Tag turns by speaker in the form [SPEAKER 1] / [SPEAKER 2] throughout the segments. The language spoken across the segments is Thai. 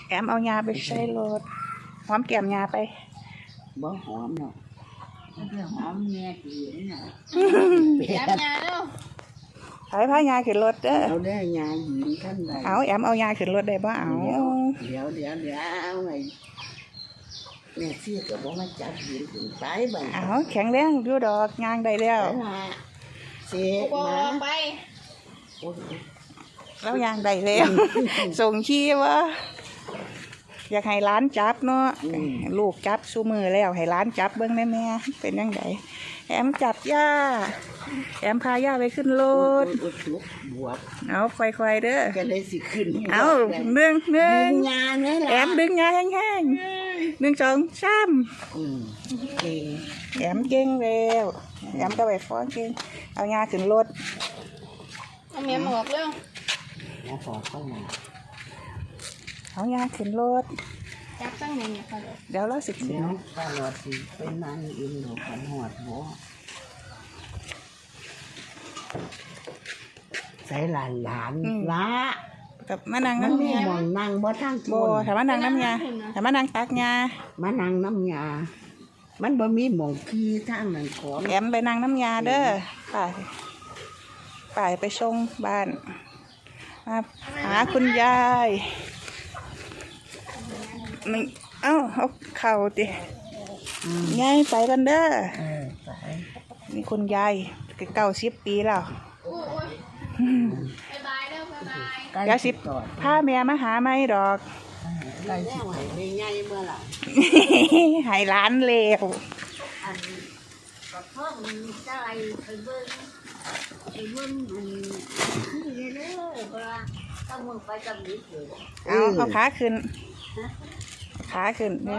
[SPEAKER 1] แอมเอายาไปใช้รถหอมแก้มยาไป
[SPEAKER 2] บ่หอมเนาะมันหอมแม่กินน่ะ
[SPEAKER 3] แอมยาเนาะ
[SPEAKER 1] ไปพายาขึ้นรถเด้อ
[SPEAKER 2] เอาได้ยาหญิงท่านใด
[SPEAKER 1] เอาแอมเอายาขึ้นรถได้บ่เอา
[SPEAKER 2] เดี๋ยวไงแม่ซี่ก็บ่มาจับหญิงถึงไปบ่
[SPEAKER 1] เอาแข็งแรงอยู่ดอกยางได้แล้ว
[SPEAKER 2] เสียมา
[SPEAKER 3] ไป
[SPEAKER 1] แล้วยางได้แล้วส่งขี้วะอยากให้ร้านจับเนาะลูกจับซูมือแล้วให้ร้านจับเบิ้งแม่เป็นยังไงแอมจับย่าแอมพาย่าไปขึ้นรถเอาค่อยๆเด้อ
[SPEAKER 2] ก็เลยสิขึ้น
[SPEAKER 1] เอาหนึ่ง
[SPEAKER 2] ยาเนี่ย
[SPEAKER 1] แอมดึงยาแห้งๆ1 2 3
[SPEAKER 2] เก่ง
[SPEAKER 1] แอมเก่งแล้วแอมก็ไปฟ้อนเก่งเอายาขึ้นรถ
[SPEAKER 3] เอาเมียหมวกเร็ว
[SPEAKER 2] ยาฟอกเข้ามา
[SPEAKER 1] เอายาขึ้นรถ
[SPEAKER 3] จับตั้งเมียเนี่ยค่ะ
[SPEAKER 1] เดี๋ยวเราสิขึ้น
[SPEAKER 2] เดี๋ยวป้าหลอดสิเป็นนางอินหนูกันหอดหัวใส่หลานละ
[SPEAKER 1] กับมานางน้ำยาม
[SPEAKER 2] องนางบ่ทั้ง
[SPEAKER 1] โบถามมานางน้ำยาถามมานางตักยา
[SPEAKER 2] มานั่งน้ำยามันบ่มีหม่องขี้ทางนั้นของ
[SPEAKER 1] แอมไปนางน้ำยาเด้อไปชงบ้านมาหาคุณยายมึงเอาเข่าดิยายไปกันเด้อนี่คุณยาย90 ปีแล้วยาย10พาแม่มาหาไม่ดอก
[SPEAKER 2] ได้สิไปใหญ่เมื่อไหร่
[SPEAKER 1] ให้ร้านเลว
[SPEAKER 2] พ่อมันจะอะไรไปเบิ้งที่เลยเพราะว่าต้องมึงไปกับนิดเดียว
[SPEAKER 1] เอาขาขึ้นเนี่ย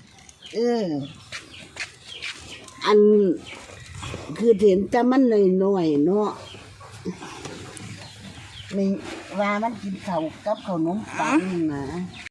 [SPEAKER 2] อันคือเห็นแต่มันน้อยเนาะนี่ว่ามันกินข้าวกับขนมปังนะ